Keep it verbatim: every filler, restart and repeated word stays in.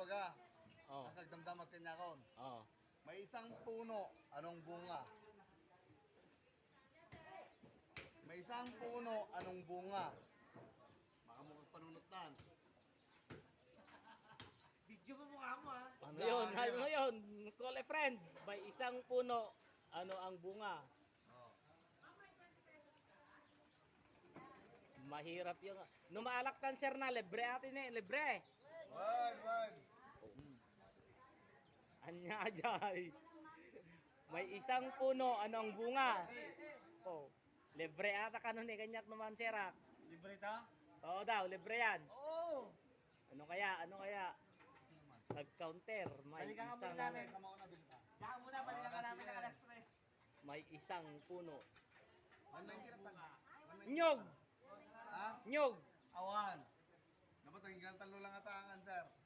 baga. Oh. Ang kagdamdam at kanyakon. Oh. May isang puno, anong bunga? May isang puno, anong bunga? Baka mo panunutan. Video mo mukha mo ha. Ano yun? Ano yun? Call a friend. May isang puno. Ano ang bunga? Oh. Mahirap yung... Numaalaktan sir na. Libre atin eh. Libre. Wag, wag. Anya jay. May isang puno. Ano ang bunga? Oh. Libre ata kanon eh. Kanyak naman sirak. Libre ta? Oo daw. Libre yan. Oo. Ano kaya? Ano kaya? Nag-counter. May Balikan ka isang... muna namin. Kamauna din ka. Saka muna, balikan ka namin ng alas tres. May isang puno. one ninety na tan. Nyog! Ha? Nyog! Awan. Dapat ang talo lang atangan, sir.